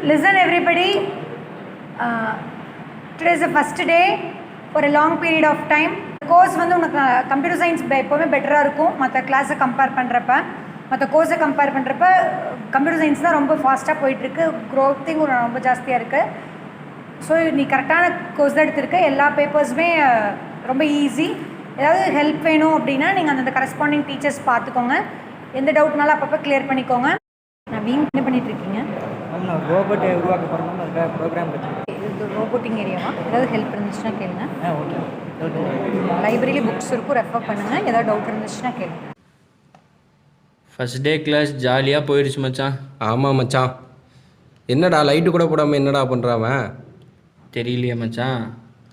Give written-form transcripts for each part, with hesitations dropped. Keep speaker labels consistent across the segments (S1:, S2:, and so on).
S1: Listen everybody, today is the first day for a long period of time. Course வந்து உனக்கு computer science எப்போவுமே பெட்டராக இருக்கும் மற்ற கிளாஸை கம்பேர் பண்ணுறப்ப. மற்ற கோர்ஸை கம்பேர் பண்ணுறப்ப கம்ப்யூட்டர் சயின்ஸ் தான் ரொம்ப ஃபாஸ்ட்டாக போயிட்டுருக்கு, க்ரோத்திங் ரொம்ப ஜாஸ்தியாக இருக்குது. ஸோ நீ கரெக்டான கோர்ஸ் தான் எடுத்திருக்க. எல்லா பேப்பர்ஸுமே ரொம்ப ஈஸி. ஏதாவது ஹெல்ப் வேணும் அப்படின்னா நீங்கள் அந்த கரஸ்பாண்டிங் டீச்சர்ஸ் பார்த்துக்கோங்க. எந்த டவுட்னாலும் அப்பப்போ கிளியர் பண்ணிக்கோங்க. நான் வீண் என்ன பண்ணிகிட்ருக்கீங்க?
S2: நான் ரோபோட்டை உருவாக்க போகிறோம், அதுக்காக ப்ரோக்ராம் வச்சுருக்கேன்.
S1: இது ரோபோட்டிங் ஏரியாவா? ஏதாவது ஹெல்ப் இருந்துச்சுன்னா கேளுங்க.
S2: ஓகே.
S1: லைப்ரரியில் புக்ஸ் இருக்கும், ரெஃபர் பண்ணுங்கள். ஏதாவது டவுட் இருந்துச்சுன்னா கேளுங்க.
S3: ஃபஸ்ட் டே கிளாஸ் ஜாலியாக போயிடுச்சு மச்சான்.
S4: ஆமாம் மச்சான். என்னடா லைட்டு கூட போடாமல் என்னடா பண்ணுறாவன்?
S3: தெரியலையே மச்சான்.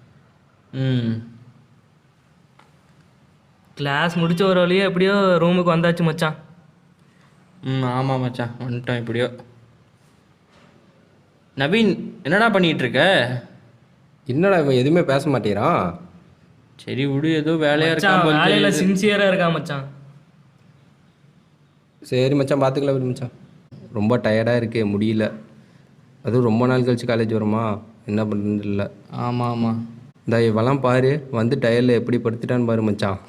S5: கிளாஸ் முடிச்ச ஒரு வழியே எப்படியோ ரூமுக்கு வந்தாச்சு மச்சான்.
S3: ஆமாம் மச்சான், வந்துட்டோம் எப்படியோ. நவீன் என்னடா பண்ணிகிட்ருக்க?
S4: என்னடா இவன் எதுவுமே பேச மாட்டேறான்?
S3: சரி விடு, ஏதோ வேலையாக
S5: மச்சான்
S3: இருக்கா.
S5: வேலையில் சின்சியராக இருக்கா மச்சான்.
S4: சரி மச்சான், பார்த்துக்கலாம் விடு மச்சான். ரொம்ப டயர்டாக இருக்கே, முடியல. அதுவும் ரொம்ப நாள் கழிச்சு காலேஜ் வருமா, என்ன பண்ணுறது இல்லை.
S3: ஆமாம் ஆமாம்.
S4: இந்த இவெல்லாம் பாரு, வந்து டயரில் எப்படி படுத்துட்டான்னு பாரு மச்சான்.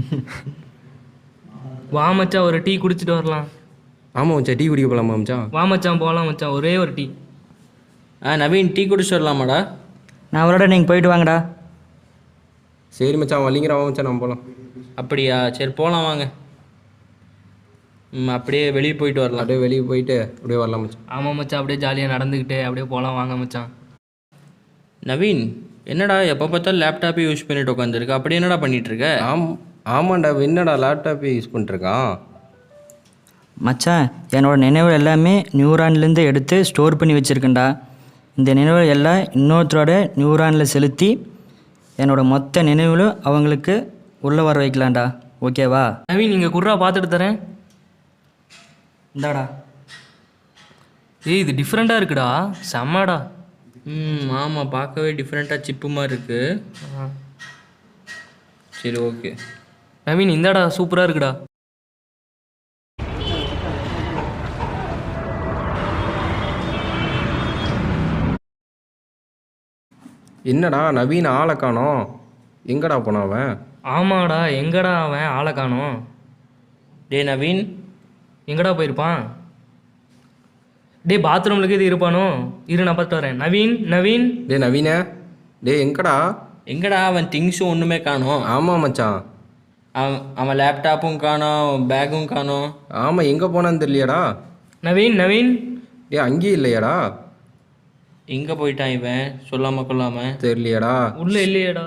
S5: வா மச்சான், ஒரு டீ குடிச்சிட்டு வரலாம்.
S4: ஆமாம் மச்சான், டீ குடிக்க போகலாமா மச்சான்?
S5: வா மச்சான் போகலாம் மச்சான், ஒரே ஒரு டீ.
S3: நவீன் டீ குடிச்சு வரலாமாடா?
S2: நான் அவரோட நீங்கள் போயிட்டு வாங்கடா.
S4: சரி மச்சான், வலிங்கிறவா மச்சான், நம்ம போகலாம்.
S3: அப்படியா? சரி போகலாம் வாங்க. அப்படியே வெளியே போயிட்டு வரலாம்.
S4: அப்படியே வெளியே போயிட்டு அப்படியே வரலாம் மச்சான்.
S5: ஆமாம் மச்சான், அப்படியே ஜாலியாக நடந்துக்கிட்டு அப்படியே போகலாம் வாங்க மச்சான்.
S3: நவீன் என்னடா எப்போ பார்த்தாலும் லேப்டாப்பே யூஸ் பண்ணிட்டு உட்காந்துருக்க, அப்படி என்னடா பண்ணிகிட்ருக்க?
S4: ஆமாண்டா, என்னடா லேப்டாப்பே யூஸ் பண்ணிட்டுருக்கான்?
S2: மச்சான், என்னோடய நினைவு எல்லாமே நியூரான்லேருந்து எடுத்து ஸ்டோர் பண்ணி வச்சுருக்கேன்டா. இந்த நினைவு எல்லாம் இன்னொருத்தரோட நியூரானில் செலுத்தி என்னோடய மொத்த நினைவுகளும் அவங்களுக்கு உள்ளே வர வைக்கலாம்டா. ஓகேவா?
S5: நவீன் நீங்கள் குர்ரா பார்த்துட்டு தரேன்.
S2: இந்தாடா.
S5: ஏய் இது டிஃப்ரெண்ட்டாக இருக்குடா, செம்மாடா.
S3: ஆமாம், பார்க்கவே டிஃப்ரெண்ட்டாக சிப்பு மாதிரி இருக்குது. சரி ஓகே.
S5: நவீன் இந்தாடா, சூப்பராக இருக்குடா.
S4: என்னடா நவீன் ஆளை காணோம், எங்கடா போனான் அவன்?
S5: ஆமாடா, எங்கடா அவன் ஆளை காணோம்?
S3: டே நவீன்
S5: எங்கடா போயிருப்பான்? டே பாத்ரூம்லுக்கு இது இருப்பானோ? இரு நான் பார்த்துட்டு வரேன். நவீன் நவீன்
S4: டே நவீன, டே எங்கடா?
S3: எங்கடா அவன் திங்ஸும் ஒன்றுமே காணோம்.
S4: ஆமாம் மச்சான்,
S3: அவன் லேப்டாப்பும் காணோம், பேக்கும் காணோம்.
S4: ஆமாம், எங்கே போனான்னு தெரியலையாடா.
S5: நவீன் நவீன்
S4: டே அங்கேயும் இல்லையாடா?
S3: எங்கே போயிட்டான் இவன் சொல்லாமல் கொள்ளாமல்?
S4: தெரியலையாடா.
S5: உள்ள இல்லையேடா.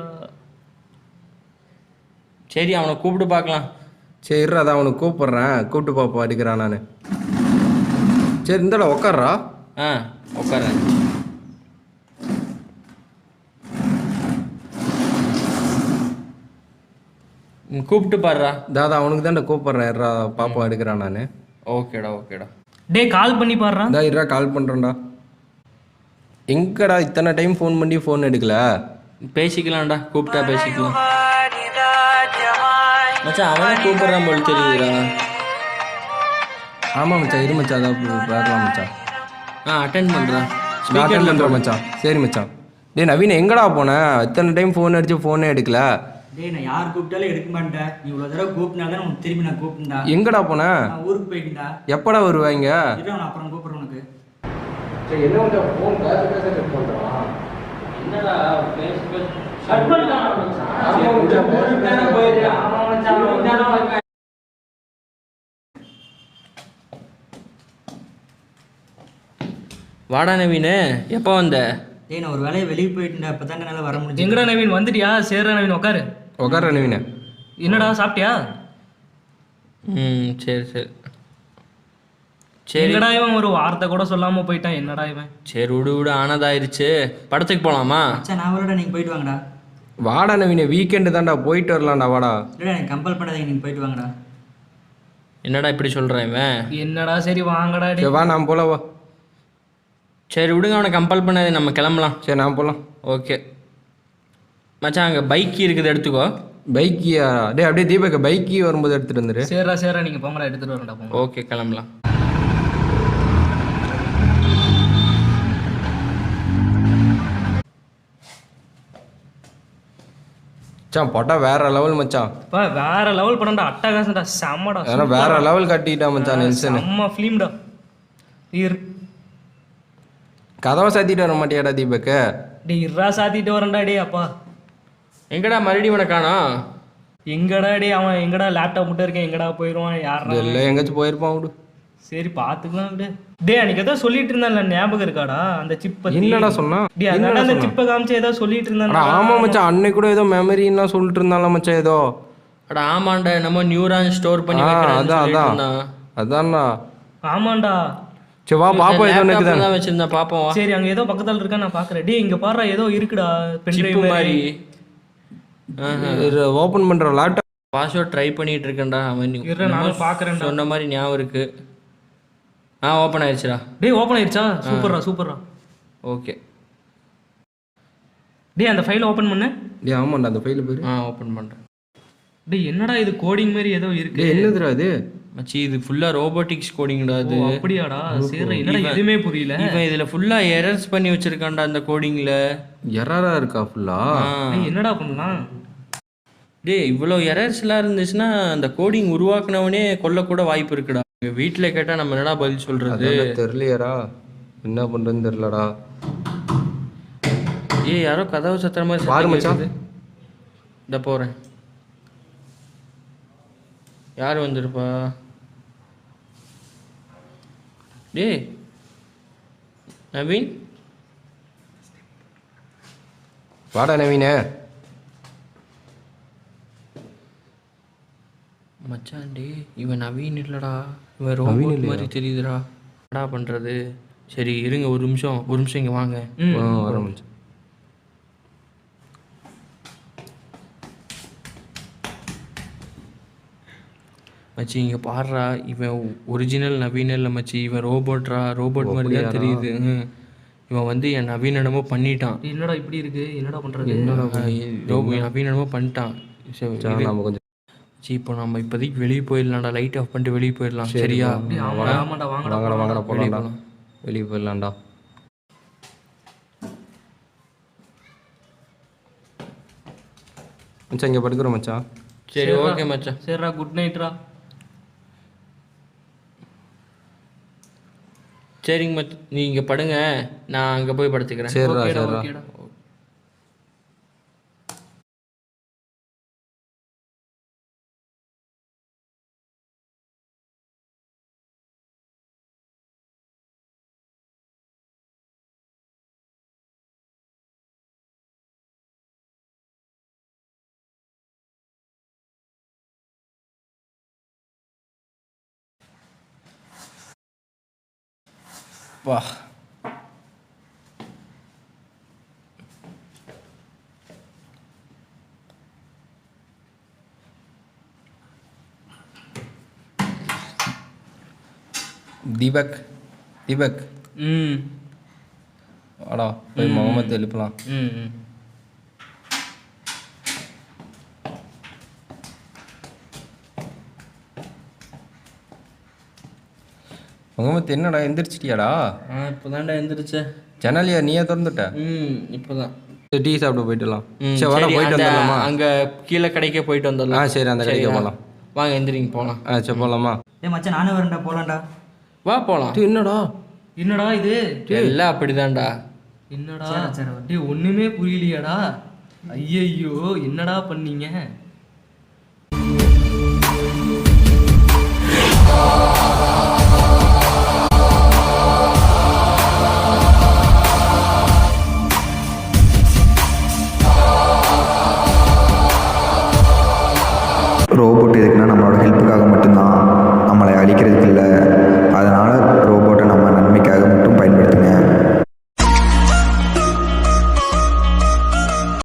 S3: சரி அவனை கூப்பிட்டு பார்க்கலாம்.
S4: சரி அதான் அவனுக்கு கூப்பிட்றேன், கூப்பிட்டு பார்ப்போம் அடிக்கிறான் நான். சரி இந்தாடா உக்காட்றா.
S3: உட்காரேன். கூப்பிட்டு பாடுறா.
S4: தாதா அவனுக்கு தான்டா கூப்பிட்றேன், இருறா பாப்பா எடுக்கிறான் நான்.
S3: ஓகேடா ஓகேடா.
S5: டே கால் பண்ணி பாடுறான்.
S4: இதா இருறா கால் பண்ணுறேன்டா. எங்கடா இத்தனை டைம் ஃபோன் பண்ணி ஃபோன் எடுக்கல?
S3: பேசிக்கலாம்டா, கூப்பிட்டா பேசிக்கலாம். மச்சான் அவனே கூப்பிட்றான் போல் தெரியுதுடா.
S4: ஆமாம் மச்சான், இரு மச்சான், அதான் பார்க்கலாம் மச்சான்.
S3: அட்டென்ட் பண்ணுறான்.
S4: அட்டென்ட் பண்ணுறேன் மச்சான். சரி மச்சான். டே நவீன் எங்கடா போனேன்? இத்தனை டைம் ஃபோன் அடிச்சு ஃபோனே எடுக்கல.
S2: டேய் நான் யார் கூப்பிட்டாலும் எடுக்க மாட்டேன். நீ இவ்வளோ தடவை கூப்பிட்டா தான் உனக்கு திரும்பி நான் கூப்பிட்டா.
S4: எங்கடா போனேன்?
S2: நான் ஊருக்கு போயிட்டேன்டா.
S4: எப்படா வருவாங்க?
S2: நான் அப்புறம் கூப்பிட்றேன் உனக்கு.
S4: என்ன மச்சான் ஃபோன் பேச கட் பண்ணுறான்?
S3: என்னடா பேச வாடா நவீன், எப்போ வந்த?
S2: டேய் நான் ஒரு வேலையை வெளியே போயிட்டேன்டா, இப்போ தான் என்னால் வர முடியும்.
S5: எங்கடா நவீன் வந்துட்டியா? சேர்றா நவீன், உட்காரு.
S4: உட்கார நவீன.
S5: என்னடா சாப்பிட்டியா?
S3: சரி சரி
S5: சரி. என்னடா இவன் ஒரு வார்த்தை கூட சொல்லாமல் போயிட்டான், என்னடா இவன்?
S3: சரி விடு விடு, ஆனதாயிருச்சு. படத்துக்கு போகலாமா?
S2: மச்சான் நான் அவரோட நீங்கள் போயிட்டு வாங்கடா.
S4: வாடா நவீன, வீக்கெண்டு தான்டா, போயிட்டு வரலாம்டா வாடா.
S2: இல்லைடா எனக்கு கம்பல் பண்ணாதீங்க, நீங்கள் போயிட்டு வாங்கடா.
S3: என்னடா இப்படி சொல்கிறேன் இவன்?
S5: என்னடா சரி வாங்கடா.
S4: சரி வா நான் போல வா.
S3: சரி விடுங்க, அவனை கம்பல் பண்ணாதே, நம்ம கிளம்பலாம்.
S4: சரி நான் போகலாம்.
S3: ஓகே மச்சான், அங்கே பைக் இருக்குது எடுத்துக்கோ.
S4: பைக்கியா? டே அப்படியே தீபக் பைக்கி வரும்போது எடுத்துகிட்டு வந்துரு.
S5: சேர்றா நீங்கள் போங்கடா, எடுத்துகிட்டு வரேன்டா போங்க.
S3: ஓகே கிளம்பலாம்.
S4: மச்சான் படம் வேற லெவல் மச்சான்.
S5: பா வேற லெவல் படம்டா, அட்டகாசம்டா, செம்மடா,
S4: ஏன்னா வேற லெவல் கட்டிட்டா மச்சான் நெல்சன்.
S5: செம்ம ஃபிலிம்டா.
S4: கதவை சாத்திட்டு வர மாட்டியாடா தீபக்?
S5: டேய் இர்ரா சாத்திட்டு வரேன்டா. டே அப்பா
S3: எங்கடா மறுபடியும் இவனை காணோம்?
S5: எங்கடா டே அவன் எங்கடா லேப்டாப் மட்டும் இருக்கேன், எங்கடா போயிடுவான் யாரா?
S4: இல்லை எங்கேயாச்சும் போயிருப்பான் விடு.
S5: சரி பார்த்துக்கலாம் விடு. டே அன்னைக்கு ஏதோ சொல்லிட்டு இருந்தான்ல, ஞாபகம் இருக்காடா அந்த சிப் பத்தி?
S4: என்னடா சொன்னா?
S5: டே அதனால அந்த சிப்பை காமிச்சு ஏதோ சொல்லிட்டு இருந்தான்.
S4: ஆமா மச்சான், அன்னைக்கு கூட ஏதோ மெமரின்னா சொல்லிட்டு இருந்தால மச்சான் ஏதோ.
S3: அட ஆமாண்டா, நம்ம நியூரான் ஸ்டோர் பண்ணி
S4: அதான் அதான்டா.
S5: ஆமாண்டா.
S4: சரி வா பாப்போம். ஏதோ எனக்கு
S3: தான் வச்சிருந்தேன் பாப்போம்.
S5: சரி அங்க ஏதோ பக்கத்துல இருக்கா, நான் பாக்குறேன். டே இங்க பாருடா ஏதோ இருக்குடா, பென்ட்ரைவ் மாதிரி.
S4: ஓபன் பண்ற லேப்டாப்
S3: பாஸ்வேர்ட் ட்ரை பண்ணிட்டு இருக்கேன்டா. அவன்
S5: நானும் பாக்குறேன்.
S3: சொன்ன மாதிரி ஞாபகம் இருக்கு. ஓப்பன் ஆயிடுச்சுடா.
S5: டே ஓப்பன் ஆயிடுச்சா? சூப்பர்ரா சூப்பர்ரா.
S3: ஓகே.
S5: டே அந்த ஃபைலை ஓப்பன் பண்ணு.
S4: டே ஆமாண்டா அந்த ஃபைல் பேரு.
S3: ஓப்பன் பண்றேன்.
S5: டே என்னடா இது கோடிங் மாதிரி ஏதோ இருக்கு.
S4: டே என்னதுடா இது?
S3: மச்சி இது ஃபுல்லா ரோபோட்டிக்ஸ் கோடிங்டா அது.
S5: அப்படியாடா? சரி என்னடா எதுவுமே புரியல.
S3: இவன் இதுல ஃபுல்லா எரர்ஸ் பண்ணி வச்சிருக்கான்டா அந்த கோடிங்ல.
S4: எரரா இருக்கா ஃபுல்லா?
S5: என்னடா பண்ணலாம்?
S3: டேய் இவ்வளோ எரர்ஸ்லாம் இருந்துச்சுன்னா அந்த கோடிங் உருவாக்குனவனே கொல்ல கூட வாய்ப்பு இருக்குடா. எங்கள் வீட்டில் கேட்டால் நம்ம என்னடா பதில் சொல்கிறது?
S4: தெரியலையாடா, என்ன பண்ணுறதுன்னு தெரிலடா.
S3: யாரோ கதவு சத்துற மாதிரி
S4: பாரு மச்சான்.
S3: இந்த போகிறேன். யார் வந்திருப்பா? டேய் நவீன்.
S4: வாடா நவீனே.
S3: மச்சான்டே இவன் நவீன் இல்லடா, இவன் ரோபோட் மாதிரி தெரியுதுடா. என்னடா பண்ணுறது? சரி இருங்க ஒரு நிமிஷம் இங்கே வாங்க.
S4: வர மச்சான்.
S3: மச்சி இங்கே பாடுறா, இவன் ஒரிஜினல் நவீன் இல்லை மச்சி, இவன் ரோபோட் மாதிரி தான் தெரியுது. இவன் வந்து என் நவீன் என்னமோ பண்ணிட்டான்.
S5: என்னடா இப்படி இருக்கு, என்னடா பண்ணுறது?
S3: நவீன் என்னமோ பண்ணிட்டான்.
S4: நம்ம கொஞ்சம்
S3: இப்போ நம்ம இப்போதைக்கு வெளியே போயிடலாம்டா, லைட் ஆஃப் பண்ணிட்டு வெளியே போயிடலாம். சரியா?
S5: ஆமாடா
S4: வாங்கடா போகலாம்டா, வெளியே போயிடலாம்டா. மச்சான் இங்கே படுக்கிறோம் மச்சான்.
S3: சரி ஓகே மச்சான்.
S5: சரிடா குட் நைட்ரா.
S3: சரிங்க மச்சான், நீ இங்கே படுங்க, நான் அங்கே போய் படுத்துக்கிறேன்.
S4: சரிடா சரிடா.
S3: வா
S4: தீபக் வாடா போய் முகமது எழுப்பலாம். முகமது என்னடா எந்திரிச்சிட்டியாடா?
S3: இப்போதான்டா எந்திரிச்சேன்.
S4: ஜன்னலியா நீயே திறந்துட்ட?
S3: இப்போதான்.
S4: டீ சாப்பிட போயிட்டுலாம். சரி வாடா போயிட்டு வந்துடலாமா?
S3: அங்கே கீழே கடைக்கே போயிட்டு வந்துடலாம்.
S4: சரி அந்த கடைக்கு போகலாம்.
S3: வாங்க எந்திரிங்க போகலாம்.
S4: சரி போகலாமா?
S2: மச்சான் நானும் வரேன்டா, போகலாம்டா.
S3: வா போகலாம்.
S5: என்னடா இது?
S3: எல்லாம் அப்படிதான்டா.
S5: என்னடா டேய் ஒண்ணுமே புரியலையாடா? ஐயையோ என்னடா பண்ணீங்க?
S6: ரோபோட் எதுக்குன்னா நம்மளோட ஹெல்ப்புக்காக மட்டும்தான், நம்மளை அழிக்கிறதுக்கு இல்லை. அதனால் ரோபோட்